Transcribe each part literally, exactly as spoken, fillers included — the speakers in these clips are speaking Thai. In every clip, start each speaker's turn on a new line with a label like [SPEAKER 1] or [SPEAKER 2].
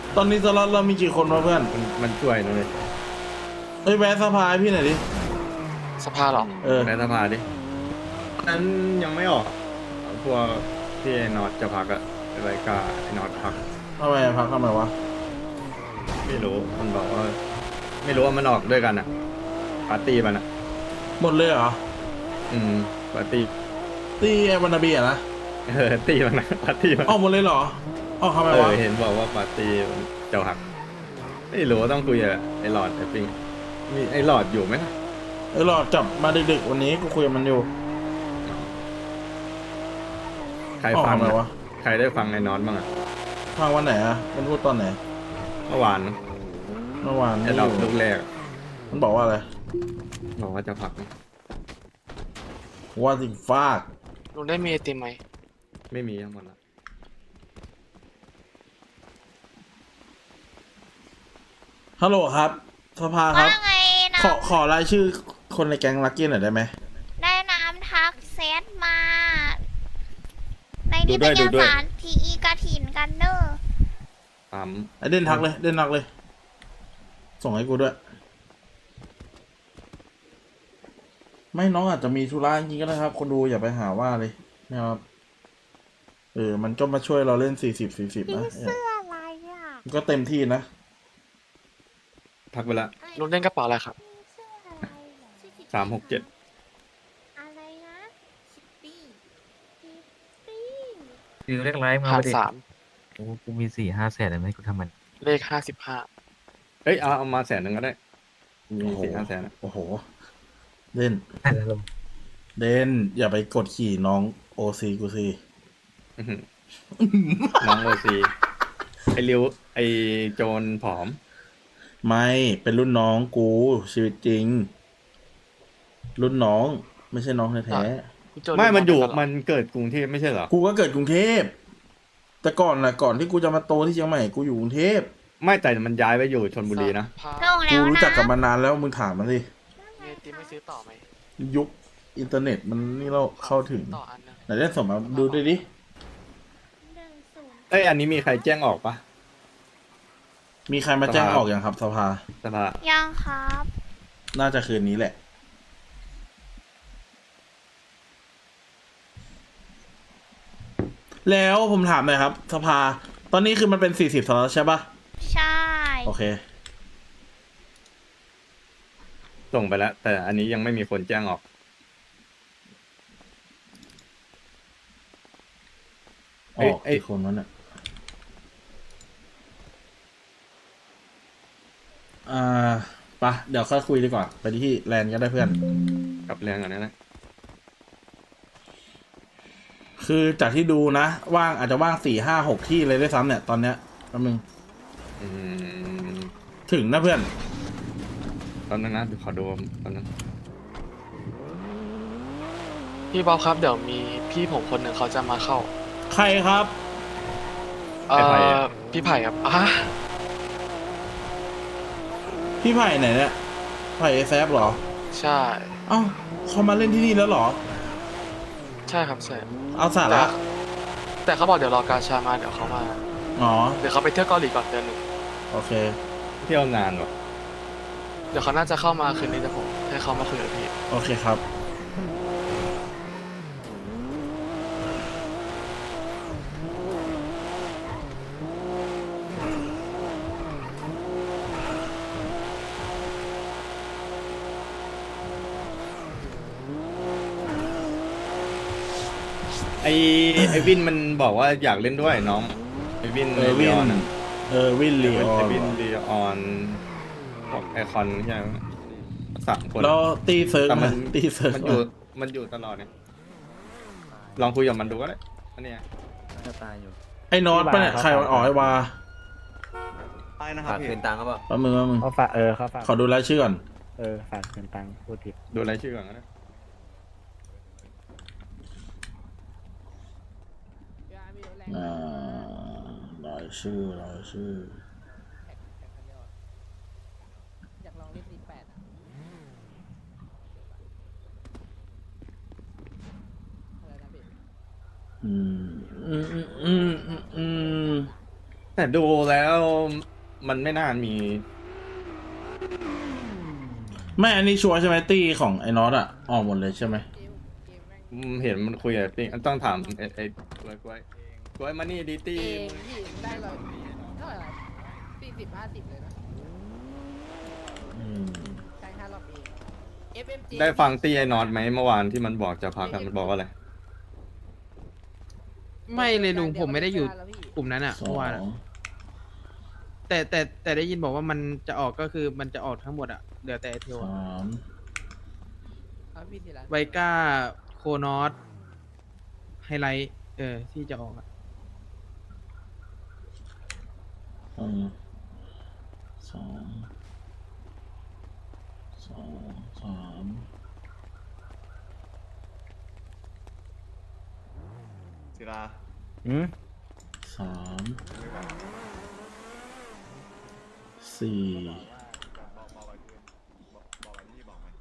[SPEAKER 1] ตอนนี้สล็อตเรามีกี่คนวะเพื่อน
[SPEAKER 2] มันมันช่วยนะเลย
[SPEAKER 1] เอ้ยแวะสภาให้พี่หน่อยดิ
[SPEAKER 3] สภาเหรอ
[SPEAKER 1] เออ
[SPEAKER 2] ในสภาดินั้นยังไม่ออกพวกที่ไอ้นอตจะพักอะอะไรกาไอ้นอตพัก
[SPEAKER 1] ทำไมพักทำไมวะ
[SPEAKER 2] ไม่รู้มันบอกว่า ไม่รู้ว่ามันออกด้วยกันอะปาร์ตี้มันอะ
[SPEAKER 1] หมดเลยเหรอ
[SPEAKER 2] อืมปาร์ตี้
[SPEAKER 1] ตีไอ้วานาบีอะนะ
[SPEAKER 2] เออตี้มันนะปาร์ตี้มัน
[SPEAKER 1] ออกหมดเลยเหรอออกทำไม
[SPEAKER 2] เอ
[SPEAKER 1] วะ
[SPEAKER 2] อเห็นบอกว่าปาร์ตี้มันจะหักไม่รู้ว่าต้องคุยกับไอ้หลอดไอ้ปิงมีไอ้หลอดอยู่ไหม
[SPEAKER 1] เออหลอดจับมาดึกๆวันนี้กูคุยกับมันอยู่
[SPEAKER 2] ใคร
[SPEAKER 1] ออก
[SPEAKER 2] ฟัง
[SPEAKER 1] ทำไม
[SPEAKER 2] อะ
[SPEAKER 1] วะ
[SPEAKER 2] ใครได้ฟังไอ้นอตบ้างอะ
[SPEAKER 1] ฟังวันไหนอะมันพูดตอนไหน
[SPEAKER 2] เมื่อวาน
[SPEAKER 1] เมื่อวาน
[SPEAKER 2] ไอ้
[SPEAKER 1] ไม่
[SPEAKER 2] ด
[SPEAKER 1] อ
[SPEAKER 2] อก
[SPEAKER 1] ยู่
[SPEAKER 2] ลูกแรกอะ
[SPEAKER 1] มันบอกว่าอะไร
[SPEAKER 2] บอกว่าจะพัก
[SPEAKER 1] ว่าสิฟาก
[SPEAKER 3] ลุงได้มีไอติมไหม
[SPEAKER 2] ไม่มีทั้งหมดละ
[SPEAKER 1] ฮัลโหลครับสภาครับ
[SPEAKER 4] ว่าไงนะ
[SPEAKER 1] ขอขอรายชื่อคนในแก๊งลักกี้หน่อยได้ไหม
[SPEAKER 4] ได้น้ำทักเซตมา ในนี้เป็นเอกสารทีอีกระถินกันเนอร์
[SPEAKER 2] ปั๊ม
[SPEAKER 1] ไอเด่นทักเลยเด่นทักเลย ส่งให้กูด้วย ไม่น้องอาจจะมีธุระจริงๆก็ได้ครับ คนดูอย่าไปหาว่าเลยนะครับเออมันก็มาช่วยเราเล่นสี่สิบสี่สิบนะ
[SPEAKER 4] เสื้ออะไรอ่ะ
[SPEAKER 1] มันก็เต็มที่นะ
[SPEAKER 2] พักไปละ
[SPEAKER 3] ลุงเล่นกระเป๋าอะไรครับ
[SPEAKER 4] เสื้ออะไรเหรอ
[SPEAKER 2] สามหกเจ็ด
[SPEAKER 4] อะไรนะชิปปี้ชิปปี้
[SPEAKER 5] คือเลขไลฟ์มา
[SPEAKER 3] หาร
[SPEAKER 5] ประเด็น
[SPEAKER 3] สาม
[SPEAKER 5] โอ้กูมีสี่ห้าแสนเลยไหมกูทำมัน
[SPEAKER 3] เลขห้าสิบห้า
[SPEAKER 2] เอ้ยเอาเอามาแสนหนึ่งก็ได้ มี
[SPEAKER 1] โอ้โห
[SPEAKER 2] สี่ห้าแสนอะ
[SPEAKER 1] โอ้โหเด่น
[SPEAKER 5] แล้วลง
[SPEAKER 1] เด่นอย่าไปกดขี่น้องโอซีกูสิ
[SPEAKER 2] อื้อหือน้องโอซีไอริวไอโจรผอม
[SPEAKER 1] ไม่เป็นรุ่นน้องกูชีวิตจริง รุ่นน้องไม่ใช่น้องแท้
[SPEAKER 3] พี่โจ
[SPEAKER 2] ไม่มันอยู่
[SPEAKER 3] เล่กัเหร
[SPEAKER 2] มันเกิดกรุงเทพไม่ใช่เหรอ
[SPEAKER 1] ๆกูก็เกิดกรุงเทพ แต่ก่อนนะก่อนที่กูจะมาโตที่เชียงใหม่กูอยู่กรุงเทพ
[SPEAKER 2] ไม่แต่มันย้ายไปอยู่ชนบุรีนะ
[SPEAKER 3] สภา
[SPEAKER 4] ลง
[SPEAKER 1] กู
[SPEAKER 4] แล้ว
[SPEAKER 1] รู้
[SPEAKER 4] นะ
[SPEAKER 1] จักกับมันนานแล้วมึงถามมันสิ
[SPEAKER 3] มีไอติมไม่ซื้อต่อไหม
[SPEAKER 1] ยุคอินเทอร์เน็ตมันนี่เราเข้าถึง
[SPEAKER 3] ต่ออันนึง
[SPEAKER 1] ไหนได้ส่งมาดูด้วยดิ
[SPEAKER 4] หนึ่งศูนย์
[SPEAKER 2] เอ้ยอันนี้มีใครแจ้งออกปะ
[SPEAKER 1] มีใครมาแจ้ง
[SPEAKER 2] สภา
[SPEAKER 1] ออกอย่างครับสภา
[SPEAKER 2] สภา
[SPEAKER 4] ยังครับ
[SPEAKER 1] น่าจะคืนนี้แหละ แล้วผมถามหน่อยครับ สภา ตอนนี้คือมันเป็นสี่สิบสล็อตใช่ปะ
[SPEAKER 4] ใช่
[SPEAKER 1] โอเค
[SPEAKER 2] ส่งไปแล้ว แต่อันนี้ยังไม่มีคนแจ้งออก
[SPEAKER 1] อ
[SPEAKER 2] เอ้ย
[SPEAKER 1] อก
[SPEAKER 2] เอ้ย
[SPEAKER 1] กี่คนวะเนี่ยอ่าปะเดี๋ยวค่อยคุยดีกว่า ไปที่แลนด์ก็ได้เพื่อน
[SPEAKER 2] กับแรงอันนั้นนะ
[SPEAKER 1] คือจากที่ดูนะ ว่างอาจจะว่างสี่ห้าหกที่เลยด้วยซ้ำเนี่ย ตอนเนี้ยแป๊บนึง
[SPEAKER 2] อืม
[SPEAKER 1] ถึงนะเพื่อน
[SPEAKER 2] ตอนนั้นนะขอดูตอนนั้น
[SPEAKER 3] พี่บ๊อบครับเดี๋ยวมีพี่ผมคนหนึ่งเขาจะมาเข้า
[SPEAKER 1] ใครครับ
[SPEAKER 3] เอ่อพี่ไผ่ครับอ่ะ
[SPEAKER 1] พี่ไผ่ไหนเนี่ย ไผ่เอแซฟหรอ
[SPEAKER 3] ใช่
[SPEAKER 1] เอ้าเขามาเล่นที่นี่แล้วเหรอ
[SPEAKER 3] ใช่ครับใช่
[SPEAKER 1] เอาสา
[SPEAKER 3] แต่
[SPEAKER 1] ระ
[SPEAKER 3] แต่เขาบอกเดี๋ยวรอกาชามาเดี๋ยวเขามา
[SPEAKER 1] อ๋อ
[SPEAKER 3] เดี๋ยวเขาไปเที่ยวเกาหลีก่อนเดือนหนึ่ง
[SPEAKER 1] โอเค
[SPEAKER 2] เที่ยวนานวะ
[SPEAKER 3] เดี๋ยวเขาน่าจะเข้ามาคืนนี้แต่ผมให้เขามาคุยกับพี่
[SPEAKER 1] โอเคครับ
[SPEAKER 2] ไอไอวินมันบอกว่าอยากเล่นด้วยน้องไอวิน
[SPEAKER 1] เออวิน
[SPEAKER 2] ลีออนอะ
[SPEAKER 1] เออวินลีออ
[SPEAKER 2] ไอน วินลีออนบอกไอคอนใช่ไหมสามคน
[SPEAKER 1] แล้วตีเซิร์ก
[SPEAKER 2] แต่มัน
[SPEAKER 1] นะตีเซิร์ก
[SPEAKER 2] มันอยู่มันอยู่ตลอดเนี่ยลองคุยกับมันดูก็ได้อันเนี้ย
[SPEAKER 5] จะตายอยู่
[SPEAKER 1] ไอ้นอตปะเนี่ยใครมันอ๋อไอ้วา
[SPEAKER 6] ไปนะครับ
[SPEAKER 5] ฝาก
[SPEAKER 6] พี่
[SPEAKER 5] คืนตังค์ก็เปล่า
[SPEAKER 1] แป๊บมึงแป๊บมึง
[SPEAKER 7] เขาฝากเออเขาฝาก
[SPEAKER 1] ขอดูรายชื่อก่อน
[SPEAKER 7] เออฝากเงินตังค์พูดผิด
[SPEAKER 2] ดูรายชื่อก่อนก็ได้
[SPEAKER 1] อ่ารายชื่อรายชื่อ
[SPEAKER 8] อยากลองเล่นตีแปดอ่ะอะไรนะพี่
[SPEAKER 1] อืมอืมอืมอืมอืม
[SPEAKER 2] แต่ดูแล้วมันไม่น่ามี
[SPEAKER 1] ไม่อันนี้ชัวร์ใช่ไหมตี้ของไอ้น็อตอะออกหมดเลยใช่ไหม
[SPEAKER 8] เกมเกมแม่ง
[SPEAKER 2] อืมเห็นมันคุยกับปิ้งต้องถามไอ้ไอ้กล้วยกล้วยกล้วยมานี่ดีตี้
[SPEAKER 8] เองพี่ได้เลยเท่าไหร่ล่ะสี่สิบห้าสิบเลยนะ
[SPEAKER 1] อืม
[SPEAKER 8] ใช้ห้ารอบเอง เอฟ เอ็ม จี
[SPEAKER 2] ได้ฟังตี้ไอ้นอตไหมเมื่อวานที่มันบอกจะพักกันมันบอกว่าอะไร
[SPEAKER 9] ไม่เลยลุงผมไม่ได้อยู่กลุ่มนั้นอ่ะ
[SPEAKER 1] สอ
[SPEAKER 9] เมื่อวาน
[SPEAKER 1] ง
[SPEAKER 9] อะแต่แต่แต่ได้ยินบอกว่ามันจะออกก็คือมันจะออกทั้งหมดอ่ะเหลือแต่ไอเทลอะ
[SPEAKER 1] สาม
[SPEAKER 8] เอาพี่ทีละ
[SPEAKER 9] ไวก้าโคนอสไฮไลท์เออที่จะออกอะ
[SPEAKER 1] อืมสองสองสาม
[SPEAKER 6] ศิลา
[SPEAKER 7] อืม
[SPEAKER 1] สามสี่
[SPEAKER 6] บอกบอกไว้คือบอกบอกไว้ที่บอกไหม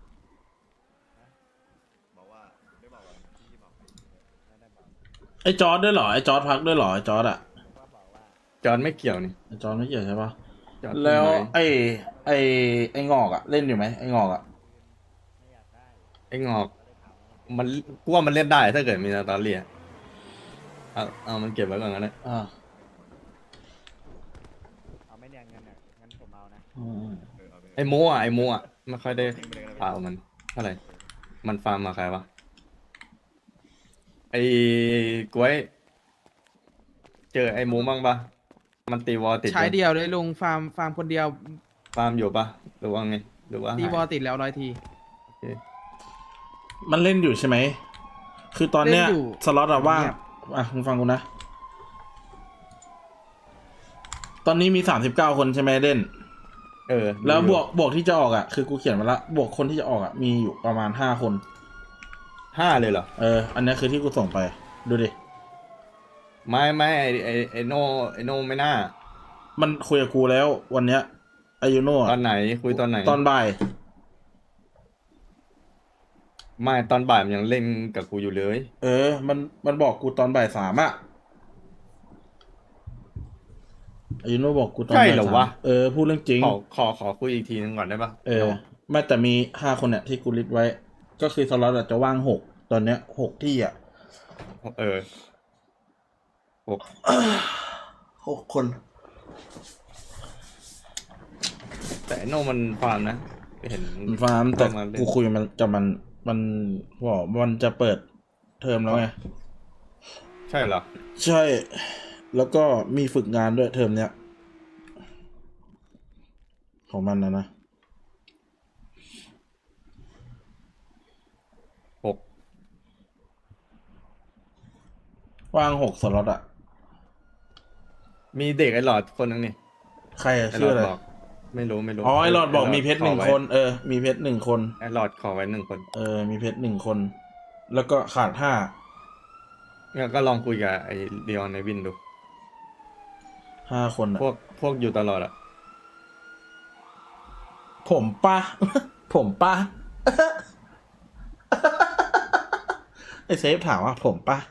[SPEAKER 6] บอกว่าได้บอกไว้ที่บอกไหม
[SPEAKER 1] ไอ้จอร์ดด้วยเหรอไอ้จอร์ดพักด้วยเหรอไอ้จอร์ดอะ
[SPEAKER 2] จอนไม่เกี่ยวนี่
[SPEAKER 1] ไอ้จอร์ดไม่เกี่ยวใช่ปะ
[SPEAKER 2] จอน
[SPEAKER 1] แล้ว
[SPEAKER 2] ทำไม
[SPEAKER 1] ไอ้ไอ้ไอ้งอกอะเล่นอยู่ไหมไอ้งอกอะ
[SPEAKER 2] ไอ้งอก มันกูว่ามันเล่นได้ถ้าเกิดมีนาตาเลียเอาเอามันเก็บไว้ก่อนกันนะ
[SPEAKER 1] อ่า
[SPEAKER 7] เอาไม่เนี่ยเงินอ่ะงั้นผมเอานะ
[SPEAKER 1] อืม
[SPEAKER 6] เออเอาไป
[SPEAKER 2] ไอ้โมอ่ะไอ้โมอ่ะไม่ค่อยได้ข่าวมันเท่าไหร่มันฟาร์มมาใครวะไอ้กล้วย เจอไอ้โมบ้างปะมันตีวอลติด
[SPEAKER 9] ใช้
[SPEAKER 2] ยัง
[SPEAKER 9] เดียวเลยลุงฟาร์มฟาร์มคนเดียว
[SPEAKER 2] ฟาร์มอยู่ปะหรือว่าไงหรือว่า
[SPEAKER 9] ตี
[SPEAKER 2] หาย
[SPEAKER 9] วอลติดแล้วร้อยที
[SPEAKER 2] โอเค
[SPEAKER 1] มันเล่นอยู่ใช่ไหมคือตอนเนี้ย
[SPEAKER 9] เล่นอยู่
[SPEAKER 1] สล็อตอะว่าง
[SPEAKER 9] เงียบ
[SPEAKER 1] อ่ะมึงฟังกูนะ ตอนนี้มีสามสิบเก้าคนใช่ไหมเล่น
[SPEAKER 2] เออ
[SPEAKER 1] แล้วบวกบวกที่จะออกอ่ะคือกูเขียนมาละบวกคนที่จะออกอ่ะมีอยู่ประมาณห้าคน
[SPEAKER 2] ห้าเลยเหรอ
[SPEAKER 1] เออ อันนี้คือที่กูส่งไป ดูดิ
[SPEAKER 2] ไม่ไม่ไอไอไอโนไอโนไม่น่า
[SPEAKER 1] มันคุยกับกูแล้ววันเนี้ยอายุโน่
[SPEAKER 2] ตอนไหนคุยตอนไหน
[SPEAKER 1] ตอนบ่าย
[SPEAKER 2] ไม่ตอนบ่ายมันยังเล่นกับกูอยู่เลย
[SPEAKER 1] เออ มันมันบอกกูตอนบ่ายสามอ่ะอายุโน่บอกกูตอน
[SPEAKER 2] ใช่
[SPEAKER 1] บ่าย
[SPEAKER 2] เหรอ
[SPEAKER 1] สาม
[SPEAKER 2] วะ
[SPEAKER 1] เออพูดเรื่องจริง
[SPEAKER 2] ขอขอขอคุยอีกทีนึงก่อนได้ปะ
[SPEAKER 1] เออไม่แต่มีห้าคนเนี่ยที่กูลิสต์ไว้ ก็คือสล็อตอะจะว่างหกตอนเนี้ยหกที่อ่ะ
[SPEAKER 2] เออหก
[SPEAKER 1] หกคน
[SPEAKER 2] แต่ไอ้โนมันฟาร์มนะเห็น
[SPEAKER 1] มันฟาร์มแต่
[SPEAKER 2] เข้ามาเล่น
[SPEAKER 1] กูคุยมันกับมันมันบอกมันจะเปิดเทอมแล้วไง
[SPEAKER 2] ใช่เหรอ
[SPEAKER 1] ใช่ แล้วก็มีฝึกงานด้วยเทอมเนี้ย ของมันนะนะ
[SPEAKER 2] หก
[SPEAKER 1] ว่างหกสล็อตอะ
[SPEAKER 2] มีเด็กไอ้หลอดคนนึงนี่
[SPEAKER 1] ใครอะ
[SPEAKER 2] ไอ้หล
[SPEAKER 1] ชื่
[SPEAKER 2] อ
[SPEAKER 1] อ
[SPEAKER 2] ด
[SPEAKER 1] อะไร
[SPEAKER 2] บอก ไม่รู้ไม่รู้
[SPEAKER 1] อ๋อไอหลอดบอกมีเพชรหนึ่ง
[SPEAKER 2] ขอไว้
[SPEAKER 1] คน เออ มีเพชรหนึ่งคน
[SPEAKER 2] ไอ้หลอดขอไว้หนึ่งคน
[SPEAKER 1] เออ มีเพชรหนึ่งคน แล้วก็ขาดห้า
[SPEAKER 2] งั้นก็ลองคุยกับไอ้เดียนในวินดู
[SPEAKER 1] ห้าคนอะ
[SPEAKER 2] พวกพวกอยู่ตลอดอะ
[SPEAKER 1] ผมปะ ผมปะ ไอเซฟถามว่าผมปะ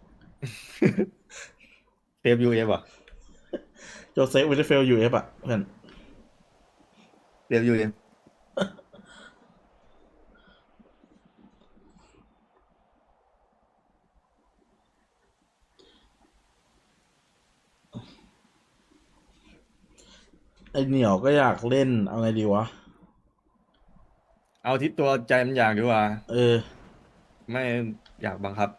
[SPEAKER 2] เซฟยูเอฟอ่ะ
[SPEAKER 1] โจเซฟวิลเฟลยูเอฟอะเพื่อน
[SPEAKER 2] เซฟยูเอฟ
[SPEAKER 1] ไอเหนียวก็อยากเล่น เอาไงดีวะ
[SPEAKER 2] เอาที่ตัวใจมันอยากดีกว่า
[SPEAKER 1] เออ
[SPEAKER 2] ไม่อยากบังคับ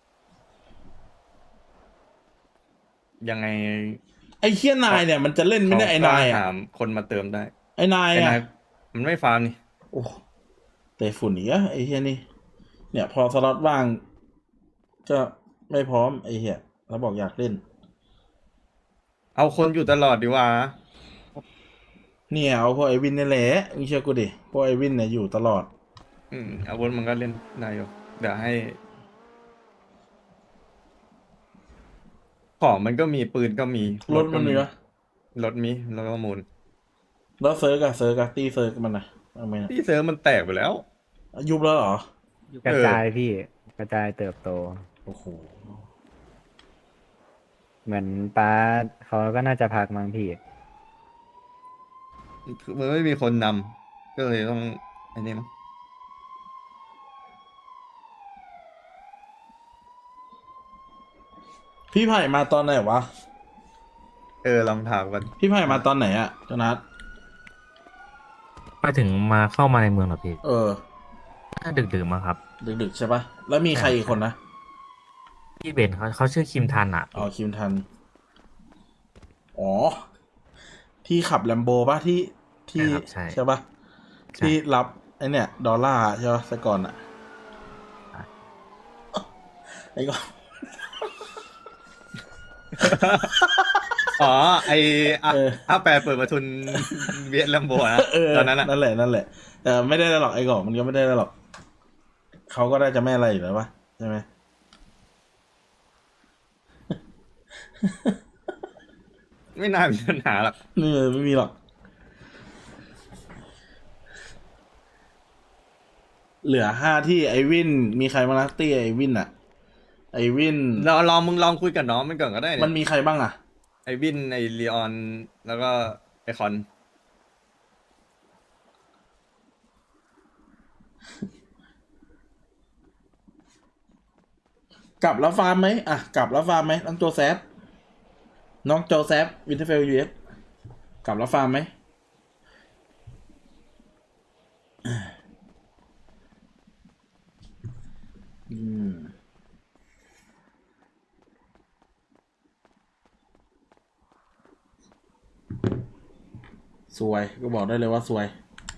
[SPEAKER 2] ยังไง
[SPEAKER 1] ไอเคียนายเนี่ยมันจะเล่นไม่ได้ไอนาย
[SPEAKER 2] เขก็
[SPEAKER 1] อะ
[SPEAKER 2] หามคนมาเติมได้
[SPEAKER 1] ไอนาย
[SPEAKER 2] ไอ้
[SPEAKER 1] อะ
[SPEAKER 2] นายมันไม่ฟาร์มนี่
[SPEAKER 1] โอ้แต่ฝุ่นอีกอะไอเฮียนี่ เนี่ย พอสล็อตว่าง ก็ไม่พร้อมไอเฮียแล้วบอกอยากเล่น
[SPEAKER 2] เอาคนอยู่ตลอดดีกว่า
[SPEAKER 1] เนี่ยเอาพวกไอวินนี่แหละมึงเชื่อกูดิพวกไอวินเนี่ยอยู่ตลอด
[SPEAKER 2] อืมอาวุธมันก็เล่นได้อยู่เดี๋ยวให้ ของมันก็มีปืนก็มี
[SPEAKER 1] รถมันมีปะ
[SPEAKER 2] รถมีแล้วก็มูล
[SPEAKER 1] แล้วเซิร์กอะเซิร์กอะตีเซิร์กมันนะเอาไหมนะ
[SPEAKER 2] ที่เซิร์ฟมันแตกไปแล้ว
[SPEAKER 1] ยุบแล้วเหรอ
[SPEAKER 7] กระจายพี่ กระจายเติบโต
[SPEAKER 1] โอ้โห
[SPEAKER 7] เหมือนป้าเขาก็น่าจะพักมั้งพี่
[SPEAKER 2] คือมันไม่มีคนนำก็เลยต้องไอ้นี่มั้ง
[SPEAKER 1] พี่ไผ่มาตอนไหนวะ
[SPEAKER 2] เออลองถามกัน
[SPEAKER 1] พี่ไผ่มาตอนไหนอะจนัท
[SPEAKER 5] ไปถึงมาเข้ามาในเมืองเหรอพี่
[SPEAKER 1] เออ
[SPEAKER 5] ถ้าดึกๆมาครับ
[SPEAKER 1] ดึกๆใช่ปะแล้วมีใครอีกคนนะ
[SPEAKER 5] พี่เบนเขาเขาชื่อคิมทันอ่ะ
[SPEAKER 1] อ๋อคิมทัน อ๋อ ที่ขับแลมโบป่ะที่ที่
[SPEAKER 5] ใช่ครับใช่
[SPEAKER 1] ใช่ป่ะ
[SPEAKER 5] ใช่
[SPEAKER 1] ที่รับไอเนี่ย ดอลลาร์ใช่ป่ะแต่ก่อนอะไอ้ก็
[SPEAKER 2] อ๋อไออ่ะ
[SPEAKER 1] เออ
[SPEAKER 2] อาแปรเปิดประทุนเวียดลัมโบนะ
[SPEAKER 1] เออ
[SPEAKER 2] ตอนนั้นอะ
[SPEAKER 1] นั่นแหละนั่นแหละแต่ไม่ได้หรอกไอ้กอกมันก็ไม่ได้หรอกเขาก็ได้จะไม่อะไรอยู่แล้วป่ะใช่ไหม
[SPEAKER 2] ไม่น่ามีปัญหาหรอก
[SPEAKER 1] นี่ไม่มีหรอก เหลือห้าที่ไอวิน มีใครมานักตี้ไอวินอะไอวิน
[SPEAKER 2] เราลองมึงลองคุยกับน้องมันก่อนก็ได้
[SPEAKER 1] มัน
[SPEAKER 2] เนี่ย
[SPEAKER 1] มีใครบ้างอะ
[SPEAKER 2] ไอวินไอลีออนแล้วก็ไอคอน
[SPEAKER 1] กลับแล้วฟาร์มไหมอ่ะกลับแล้วฟาร์มไหมน้องโจแซฟน้องโจแซฟวินเทอร์เฟลยูเอสกลับแล้วฟาร์มไหมอืมสวยก็บอกได้เลยว่าสวย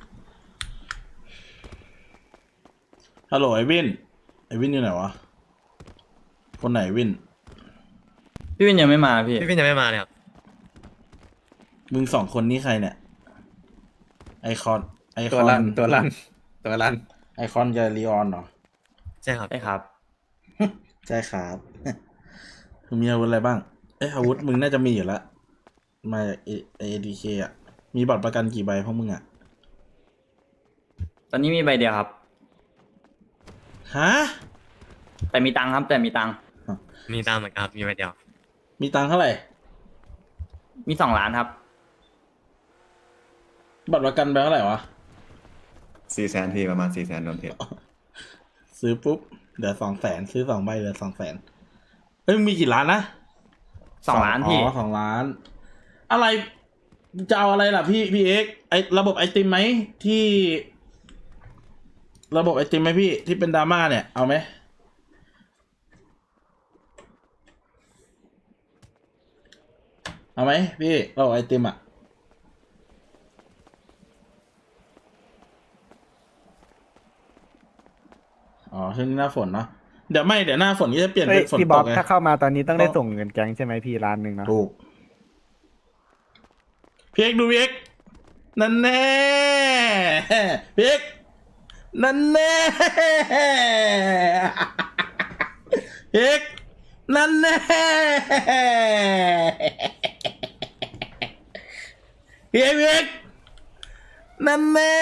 [SPEAKER 1] ฮัลโหลไอวินไอวินอยู่ไหนวะคนไหนวิน
[SPEAKER 10] พี่วินยังไม่มาพี่
[SPEAKER 5] พี่เบนยังไม่มาเลยครับ
[SPEAKER 1] มึงสองคนนี้ใครเนี่ย ไอคอน ไอค
[SPEAKER 2] ตัว
[SPEAKER 1] อน
[SPEAKER 2] รันตัวรันตัวรัน
[SPEAKER 1] ไอคอนกับลีออนเหรอ
[SPEAKER 5] ใช่ครับ
[SPEAKER 10] ได้ครับ
[SPEAKER 1] ใช่ครับ มึงมีอาวุธอะไรบ้าง เอ้ยอาวุธมึงน่าจะมีอยู่แล้ว มาจากเอดีเคอ่ะ มีบัตรประกันกี่ใบพวกมึงอ่ะ
[SPEAKER 10] ตอนนี้มีใบเดียวครับ
[SPEAKER 1] ฮะ
[SPEAKER 10] แต่มีตังค์ครับ แต่มีตังค์
[SPEAKER 5] มีตามเหมือนกันครับ มีใบเดียว
[SPEAKER 1] มีตังค์เท่าไหร่
[SPEAKER 10] มีสองล้านครับ
[SPEAKER 1] บัตรประกันไปเท่าไหร่วะ
[SPEAKER 6] สี่แสนพี่ประมาณสี่แสนรวมเพจ
[SPEAKER 1] ซื้อปุ๊บเหลือสองแสนซื้อสองใบเหลือสองแสนเฮ้ยมึงมีกี่ล้านนะ
[SPEAKER 10] สองล้านพี่
[SPEAKER 1] อ๋อสองล้าน อะไร จะเอาอะไรล่ะพี่พี่เอ็กไอระบบไอติมไหมที่ ระบบไอติมไหมพี่ที่เป็นดราม่าเนี่ยเอาไหมเอาไหมพี่ระบบไอติมอ่ะอ๋อช่วงนี้หน้าฝนเนาะเดี๋ยวไม่เดี๋ยวหน้าฝนก็จะเปลี่ยน
[SPEAKER 7] เฮ้
[SPEAKER 1] เป็
[SPEAKER 7] ย
[SPEAKER 1] นฝน
[SPEAKER 7] พี่
[SPEAKER 1] ต
[SPEAKER 7] บ๊อก บ
[SPEAKER 1] ไง
[SPEAKER 7] ถ้าเข้ามาตอนนี้ต้องได้
[SPEAKER 1] ต้อง
[SPEAKER 7] ส่งเงินแก๊งใช่ไหมพี่ล้านหนึ่งเนาะ
[SPEAKER 1] ถูกพี่เอกดูพี่เอกนั่นแน่พี่เอกนั่นแน่พี่เอกนั่นแน่พี่เอกพี่เอกนั่นแน่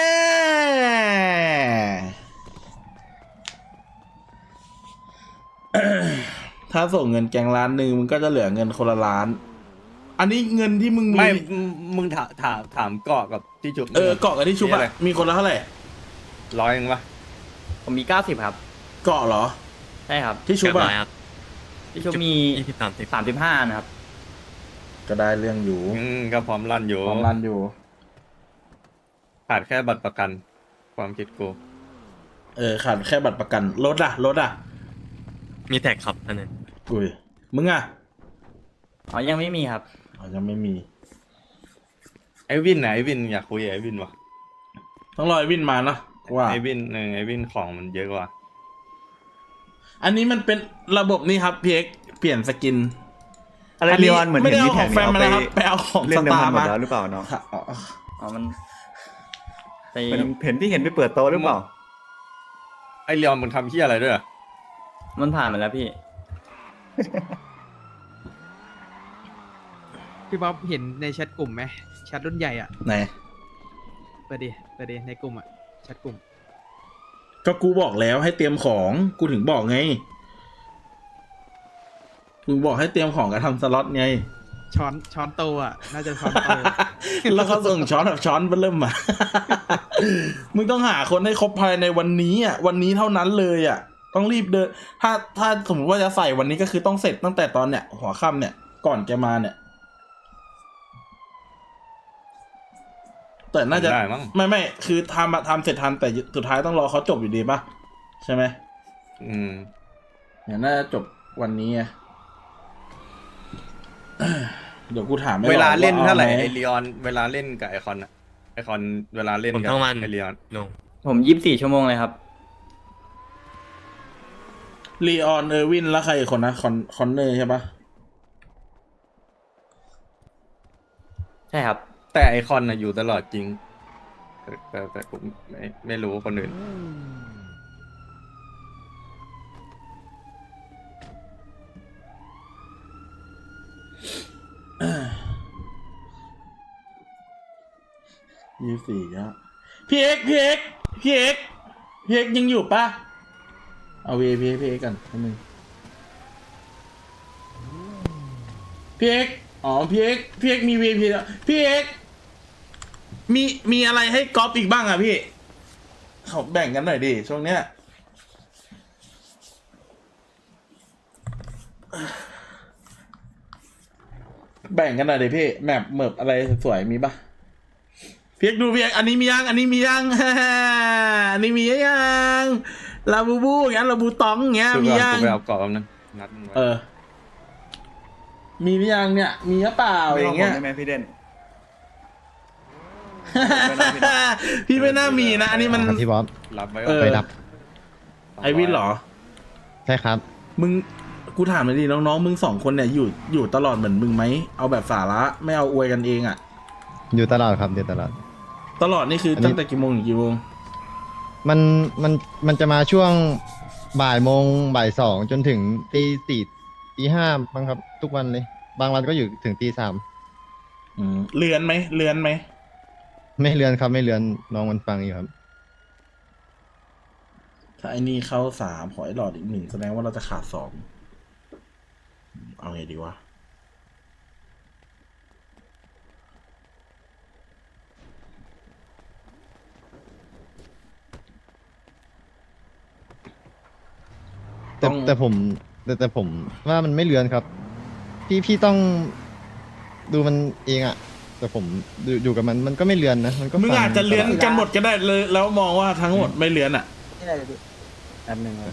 [SPEAKER 1] ถ้าส่งเงินแกงล้านหนึ่งมึงก็จะเหลือเงินคนละล้าน อันนี้เงินที่มึงมี
[SPEAKER 2] ไม่มึงมึงถามถามถามเกาะกับที่จุบ
[SPEAKER 1] เออเกาะกับที่ชุบ
[SPEAKER 2] มีอะไร
[SPEAKER 1] อะมีคนละเท่าไหร่
[SPEAKER 2] ร้อยเองปะ
[SPEAKER 10] ผมมีเก้าสิบครับ
[SPEAKER 1] เกาะเหรอ
[SPEAKER 10] ใช่ครับ
[SPEAKER 1] ที่ชุบอะ
[SPEAKER 10] พี่ชูมี
[SPEAKER 5] ยี่สิบสามสิบ
[SPEAKER 10] สามสิบห้านะครับ
[SPEAKER 1] ก็ได้เรื่องอยู่
[SPEAKER 2] อืมก็พร้อมรันอยู่
[SPEAKER 1] พร้อมรันอยู่
[SPEAKER 2] ขาดแค่บัตรประกัน ความคิดกู
[SPEAKER 1] เออขาดแค่บัตรประกันรถอะรถอะ
[SPEAKER 5] มีแท็กครับอันนั้น
[SPEAKER 1] อุ้ยมึงอะ
[SPEAKER 10] อ๋อ ยังไม่มีครับ
[SPEAKER 1] อ๋อยังไม่มี
[SPEAKER 2] ไอวินไหนไอวินอยากคุยกับไอวินวะ
[SPEAKER 1] ต้องรอไอวินมาเนาะว่า
[SPEAKER 2] ไอวินเออไอวินของมันเยอะกว่า
[SPEAKER 1] อันนี้มันเป็นระบบนี่ครับพีเอ็กเปลี่ยนสกิน
[SPEAKER 6] อะไรเรียนเหมือน
[SPEAKER 1] ไม่
[SPEAKER 6] เห็
[SPEAKER 1] ได้
[SPEAKER 6] น
[SPEAKER 1] เอา
[SPEAKER 6] มี
[SPEAKER 1] ข
[SPEAKER 6] แท็
[SPEAKER 1] อก งแฟนมา
[SPEAKER 6] เนี่ย
[SPEAKER 1] นะครับ
[SPEAKER 6] เอา
[SPEAKER 1] ไปเอาของ
[SPEAKER 6] เล่
[SPEAKER 1] ส
[SPEAKER 6] นเดิม
[SPEAKER 1] ตา
[SPEAKER 6] พัน
[SPEAKER 1] ร์
[SPEAKER 6] หมด
[SPEAKER 1] มา
[SPEAKER 6] แล้วหรือเปล่าเนาะ
[SPEAKER 1] ค่ะอ๋อ
[SPEAKER 10] อ๋อ มันไป
[SPEAKER 6] เห็นเห็นที่เห็นไปเปิดโต๊ะหรือเปล่า
[SPEAKER 2] ไอเรียนมันทำเฮียอะไรด้วยอะ
[SPEAKER 10] มันผ่านมาแล้วพี่
[SPEAKER 9] พี่บ๊อบเห็นในแชทกลุ่มไหมแชทรุ่นใหญ่อ่ะ
[SPEAKER 1] ไหน
[SPEAKER 9] เปิดดิเปิดดิในกลุ่มอ่ะแชทกลุ่ม
[SPEAKER 1] ก็กูบอกแล้วให้เตรียมของกูถึงบอกไงมึงบอกให้เตรียมของกับทำสล็อตไง
[SPEAKER 9] ช้อนช้อนโตอ่ะ น่าจะช้อนโต
[SPEAKER 1] แล้วเขาส่งช้อนแบบช้อนเริ่มมา มึงต้องหาคนให้ครบภายในวันนี้อ่ะ วันนี้เท่านั้นเลยอ่ะ ต้องรีบเดิน ถ้าถ้าสมมติว่าจะใส่วันนี้ก็คือต้องเสร็จตั้งแต่ตอนเนี้ยหัวค่ำเนี่ย ก่อนแกมาเนี่ย แต่น่าจะ
[SPEAKER 2] ได้มั้ง
[SPEAKER 1] ไม่ไม่คือทำอะทำเสร็จทันแต่สุดท้ายต้องรอเขาจบอยู่ดีป่ะ ใช่ไหม
[SPEAKER 2] อืม
[SPEAKER 1] เนี่ยน่าจะจบวันนี้ไง เดี๋ยวกูถามไม่
[SPEAKER 2] เวลาเล่น
[SPEAKER 1] อ
[SPEAKER 2] เท่าไหร่
[SPEAKER 1] ม
[SPEAKER 2] ไอรีออนเวลาเล่นกับไอคอนอะไอคอนเวลาเล่น
[SPEAKER 5] ผม
[SPEAKER 2] กับ
[SPEAKER 5] ทั้งวัน
[SPEAKER 2] ไอรีออน
[SPEAKER 5] ลง
[SPEAKER 10] ผมยี่สิบสี่ชั่วโมงเลยครับ
[SPEAKER 1] ลีออนเออร์วินแล้วใครอีกคนนะคอนคอนเนอร์ใช่ปะ
[SPEAKER 10] ใช่ครับ
[SPEAKER 2] แต่ไอคอนน่ะอยู่ตลอดจริงแต่แต่แต่ผมไม่ไม่รู้คนอื่น
[SPEAKER 1] ยี่สิบสี่ครับพี่เอ็กพี่เอ็กพี่เอ็กพี่เอ็กยังอยู่ปะเอาวีพีพี่เอ็กกันนิดนึงพี่เอ็กอ๋อพี่เอ็กพี่เอ็กมีวีพีแล้วพี่เอ็กมีมีอะไรให้ก๊อปอีกบ้างอ่ะพี่เขาแบ่งกันหน่อยดิช่วงเนี้ยแบ่งกันหน่อยดิพี่แมปเมิบอะไรสวยๆมีปะเพียกดูเพียกอันนี้มียังอันนี้มียัง อันนี้มียังลาบูบูอย่างเงี้ยลาบูตองอย่างเงี้ย
[SPEAKER 2] คือ
[SPEAKER 1] มี
[SPEAKER 2] ก่อน
[SPEAKER 1] ยัง
[SPEAKER 2] กูไปเอากรอบนึงนัดมึงไว้
[SPEAKER 1] เออ มีหรือยังเนี่ย มีหรือเปล่าอย่างเงี้ย
[SPEAKER 6] ได้ไหมพี่เด่น
[SPEAKER 1] พี่ไม่น่ามีนะ อันนี้มัน
[SPEAKER 5] ครับพี่บ๊อบ
[SPEAKER 2] รับไว้
[SPEAKER 1] เออ
[SPEAKER 5] ไปรับ
[SPEAKER 1] ไอวินเหรอ
[SPEAKER 5] ใช่ครับ
[SPEAKER 1] มึงกูถามหน่อยดิน้องๆมึงสองคนเนี่ยอยู่อยู่ตลอดเหมือนมึงไหมเอาแบบสาระไม่เอาอวยกันเองอะ
[SPEAKER 5] อยู่ตลอดครับอยู่ตลอด
[SPEAKER 1] ตลอดนี่คืออน
[SPEAKER 5] นี้
[SPEAKER 1] ตั้งแต่กี่โมงถึงกี่โมง
[SPEAKER 5] มันมันมันจะมาช่วงบ่ายโมงบ่ายสองจนถึงตีสี่ตีห้าบ้างครับ ทุกวันเลย บางวันก็อยู่ถึงตีสาม
[SPEAKER 1] อืมเลือนไหมเลือนไหม
[SPEAKER 5] ไม่เลือนครับไม่เลือนน้องมันฟังอยู่ครับ
[SPEAKER 1] ถ้าไอ้นี่เข้าสามขอไอ้หลอดอีกหนึ่งแสดงว่าเราจะขาดสองเอาไงดีวะ
[SPEAKER 5] แต่
[SPEAKER 1] ต้อง
[SPEAKER 5] แต่ผมแต่แต่ผมว่ามันไม่เลือนครับ พี่พี่ต้องดูมันเองอะแต่ผมอยู่อยู่กับมันมันก็ไม่เลือนนะมันก็
[SPEAKER 1] มึง
[SPEAKER 5] ฟั
[SPEAKER 1] อาจจะเลือน
[SPEAKER 5] ตลด
[SPEAKER 1] กันหมดก็ได้เลยแล้วมองว่าทั้งหมดไม่เลือนอ่ะ
[SPEAKER 7] แป๊บนึงครับ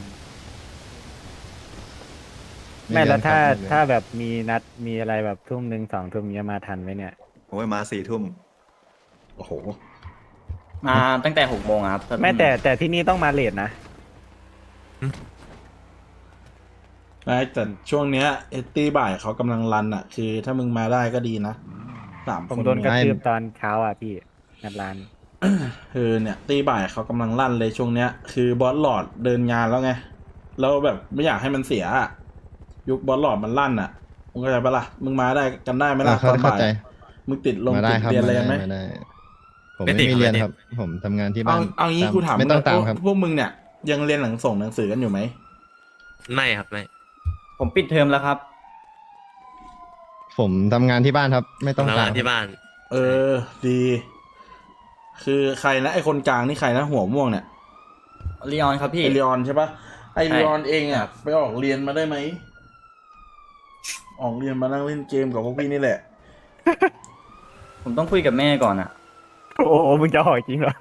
[SPEAKER 7] ไม่แล้วถ้า
[SPEAKER 5] เลือนครับ
[SPEAKER 7] ถ้าแบบมีนัดมีอะไรแบบทุ่มหนึ่งสองทุ่มเนี้ยมาทันไหมเนี่ย
[SPEAKER 6] โอ้ยมาสี่ทุ่ม
[SPEAKER 1] โอ้โห
[SPEAKER 10] มาตั้งแต่หกโมงครับ
[SPEAKER 7] ไม่แต่แต่ที่นี่ต้องมาเลทนะ
[SPEAKER 1] ไม่แต่ช่วงเนี้ยเอตตี้บ่ายเขากำลังรันอ่ะ คือถ้ามึงมาได้ก็ดีนะสาม
[SPEAKER 7] ผ
[SPEAKER 1] ค
[SPEAKER 7] ม
[SPEAKER 1] น
[SPEAKER 7] โดนกระ
[SPEAKER 1] เนี่ย
[SPEAKER 7] ทืบตอนเช้าอ่ะพี่งัดร้าน
[SPEAKER 1] คือเนี่ยตีบ่ายเขากำลังลั่นเลยช่วงเนี้ย คือบอสหลอดเดินงานแล้วไงแล้วแบบไม่อยากให้มันเสียอะยุคบอสหลอดมันลั่นอ่ะมึงเข้าใจปะล่ะมึงมาได้กันได้ไหมล่ะ
[SPEAKER 5] เข้า
[SPEAKER 1] ตอน
[SPEAKER 5] เข้า
[SPEAKER 1] บ่าย
[SPEAKER 5] ใจ
[SPEAKER 1] มึงติดลง
[SPEAKER 5] มาได้
[SPEAKER 1] ติด
[SPEAKER 5] ครับ
[SPEAKER 1] เรียนอะไร
[SPEAKER 5] มา
[SPEAKER 1] กันไหม
[SPEAKER 5] ได้มาได้ ผมไม่มีเรียนครับ ผมทำงานที่
[SPEAKER 1] เอา
[SPEAKER 5] บ้าน
[SPEAKER 1] เอางี้
[SPEAKER 5] ต
[SPEAKER 1] กูถาม
[SPEAKER 5] ไม่ต้อง
[SPEAKER 1] ง
[SPEAKER 5] ตาม
[SPEAKER 1] พวก
[SPEAKER 5] ครับ
[SPEAKER 1] พวกมึงเนี่ยยังเรียนหนังส่งหนังสือกันอยู่ไหม
[SPEAKER 5] ไม่ครับไม่
[SPEAKER 10] ผมปิดเทอมแล้วครับ
[SPEAKER 5] ผมทำงานที่บ้านครับ ไม่ต้องตามที่บ้าน
[SPEAKER 1] เออ ดี คือใครนะไอคนกลางนี่ใครนะหัวม่วงเนี่ย
[SPEAKER 10] ลีออนครับพี่
[SPEAKER 1] ไอรีออนใช่ปะไอ
[SPEAKER 10] ใช่
[SPEAKER 1] รีออนเองอ่ะ ไปออกเรียนมาได้ไหมออกเรียนมานั่งเล่นเกมกับพวกพี่นี่แหละ
[SPEAKER 10] ผมต้องคุยกับแม่ก่อนอะ
[SPEAKER 7] โอ้โหมึงจะหอยจริงเหรอ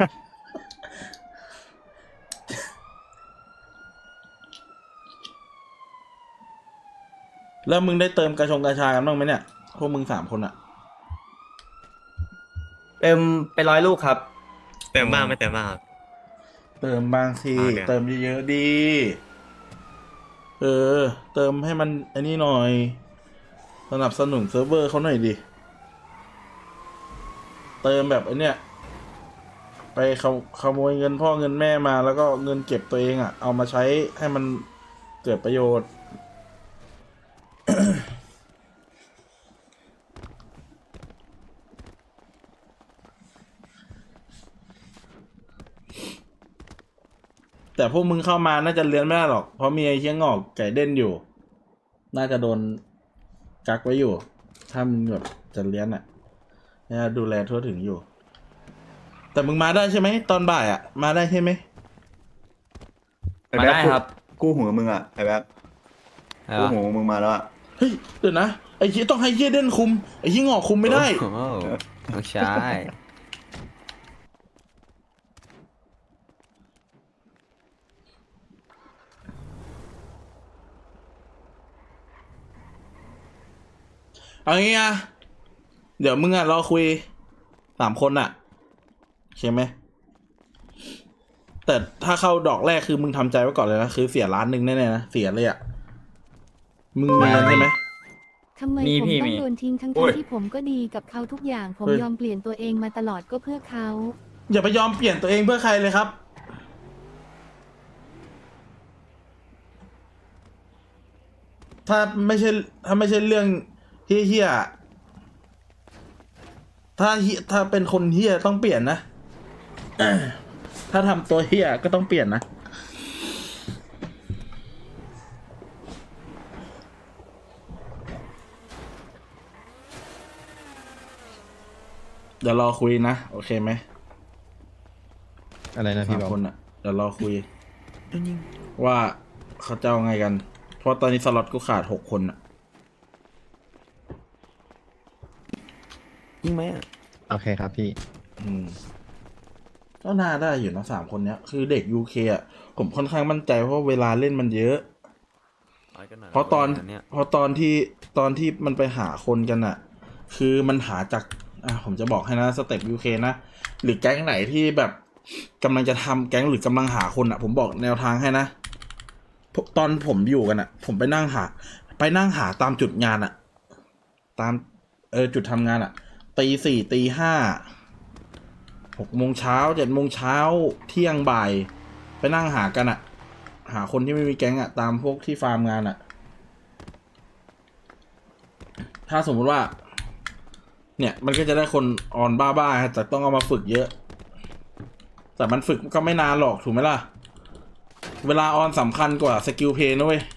[SPEAKER 1] แล้วมึงได้เติมกระชงกระชากันบ้างไหมเนี่ย พวกมึงสามคนอ่ะ
[SPEAKER 10] เติมไปร้อยลูกครับ
[SPEAKER 5] เติมบ้างไม่เติมบ้างครับ
[SPEAKER 1] เติมบางที
[SPEAKER 5] อ่าเนี่ย
[SPEAKER 1] เติมเยอะๆดี เออ เติมให้มันไอ้นี่หน่อย สนับสนุนเซิร์ฟเวอร์เขาหน่อยดิ เติมแบบไอ้เนี้ยไปขโมขโมยเงินพ่อเงินแม่มาแล้วก็เงินเก็บตัวเองอ่ะ เอามาใช้ให้มันเกิดประโยชน์ แต่พวกมึงเข้ามาน่าจะเรียนไม่ได้หรอก เพราะมีไอ้เชี่ยงอกไก่เด่นอยู่น่าจะโดนกักไว้อยู่ ถ้ามึงแบบจะเลี้ยนอ่ะน่าจะดูแลทั่วถึงอยู่ แต่มึงมาได้ใช่ไหมตอนบ่ายอ่ะ มาได้ใช่ไหม
[SPEAKER 10] มาได้ครับ
[SPEAKER 6] กู้หัวมึงอ่ะไอ้แบ๊บกู้หัวมึงมาแล้วอ่ะ
[SPEAKER 1] เฮ้ยเดี๋ยวนะไอ้ชี้ยต้องให้เฮียเด่นคุมไอ้ชี้ยงอกคุมไม่ได้
[SPEAKER 11] ไม่ใช่
[SPEAKER 1] เอางี้อ่ะเดี๋ยวมึงอ่ะรอคุยสามคนอ่ะใช่ไหมแต่ถ้าเข้าดอกแรกคือมึงทำใจไว้ก่อนเลยนะคือเสียล้านหนึ่งแน่ๆนะเสียเลยอ่ะมึงมีเงินใช่ไหม
[SPEAKER 12] ทำไม
[SPEAKER 10] มี
[SPEAKER 12] ผม
[SPEAKER 10] พี่
[SPEAKER 12] ต้อ
[SPEAKER 10] มี
[SPEAKER 12] งโดนทิ้งทั้ง
[SPEAKER 1] โอ้ย
[SPEAKER 12] ที่ผมก็ดีกับเขาทุกอย่าง ผม
[SPEAKER 1] เฮ้ย
[SPEAKER 12] ยอมเปลี่ยนตัวเองมาตลอดก็เพื่อเขา
[SPEAKER 1] อย่าไปยอมเปลี่ยนตัวเองเพื่อใครเลยครับ ถ้าไม่ใช่ถ้าไม่ใช่เรื่องเฮี้ยๆถ้าเหี้ยถ้าเป็นคนเฮี้ยต้องเปลี่ยนนะ ถ้าทำตัวเฮี้ยก็ต้องเปลี่ยนนะ เดี๋ยวรอคุยนะ โอเคไหม
[SPEAKER 5] อะไรนะพี่
[SPEAKER 1] สาม
[SPEAKER 5] บอก
[SPEAKER 1] คนอ่ะ เดี๋ยวรอคุย ว่าเขาจะเอาไงกัน เพราะตอนนี้สล็อตกูขาดหกคนอ่ะ
[SPEAKER 11] ยิงไหมอ่ะ
[SPEAKER 5] โอเคครับพี่
[SPEAKER 1] อืมก็น่าได้อยู่นะสามคนเนี้ย คือเด็กยูเคอ่ะ ผมค่อนข้างมั่นใจเพราะเวลาเล่นมันเยอะ เพราะตอนเพราะตอนที่ตอนที่มันไปหาคนกันอ่ะ คือมันหาจากอ่ะผมจะบอกให้นะสเต็ปยูเคนะหรือแก๊งไหนที่แบบกำลังจะทำแก๊งหรือกำลังหาคนอ่ะ ผมบอกแนวทางให้นะพวกตอนผมอยู่กันอ่ะ ผมไปนั่งหา ไปนั่งหาตามจุดงานอ่ะ ตามเออจุดทำงานอ่ะตีสี่ตีห้าหกโมงเช้าเจ็ดโมงเช้าเที่ยงบ่าย ไปนั่งหากันอ่ะ หาคนที่ไม่มีแก๊งอ่ะ ตามพวกที่ฟาร์มงานอ่ะ ถ้าสมมติว่า เนี่ยมันก็จะได้คนออนบ้าๆแต่ต้องเอามาฝึกเยอะ แต่มันฝึกก็ไม่นานหรอกถูกไหมล่ะ เวลาออนสำคัญกว่าสกิลเพลย์นะเว้ย